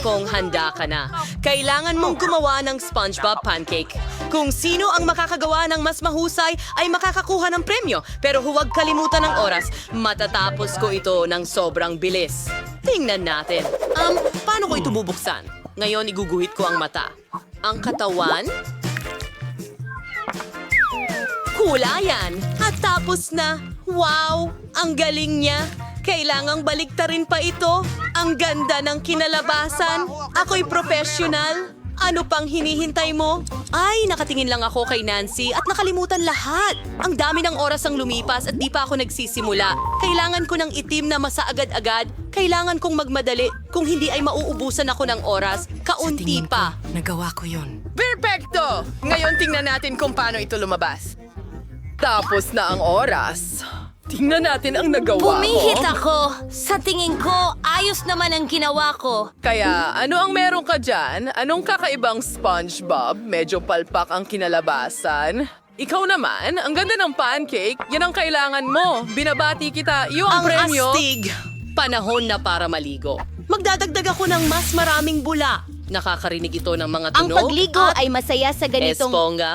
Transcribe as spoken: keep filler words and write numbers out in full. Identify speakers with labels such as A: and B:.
A: Kung handa ka na, kailangan mong gumawa ng SpongeBob pancake. Kung sino ang makakagawa ng mas mahusay ay makakakuha ng premyo. Pero huwag kalimutan ng oras. Matatapos ko ito ng sobrang bilis. Tingnan natin. Um, paano ko ito bubuksan? Ngayon iguguhit ko ang mata. Ang katawan? Kulayan. At tapos na. Wow! Ang galing niya. Kailangang baliktarin pa ito. Ang ganda ng kinalabasan. Ako'y professional. Ano pang hinihintay mo? Ay, nakatingin lang ako kay Nancy at nakalimutan lahat. Ang dami ng oras ang lumipas at di pa ako nagsisimula. Kailangan ko ng itim na masa agad-agad. Kailangan kong magmadali. Kung hindi ay mauubusan ako ng oras. Kaunti pa.
B: Nagawa ko yun.
C: Perfecto! Ngayon tingnan natin kung paano ito lumabas. Tapos na ang oras. Tingnan natin ang nagawa
D: Pumihit
C: ko.
D: ako. Sa tingin ko, ayos naman ang ginawa ko.
C: Kaya, ano ang meron ka dyan? Anong kakaibang SpongeBob? Medyo palpak ang kinalabasan. Ikaw naman, ang ganda ng pancake. Yan ang kailangan mo. Binabati kita. Iyo ang,
A: Ang
C: premyo.
A: astig! Panahon na para maligo. Magdadagdag ako ng mas maraming bula. Nakakarinig ito ng mga
D: Ang
A: tunog
D: pagligo
A: at
D: ay masaya sa ganitong...
A: esponga.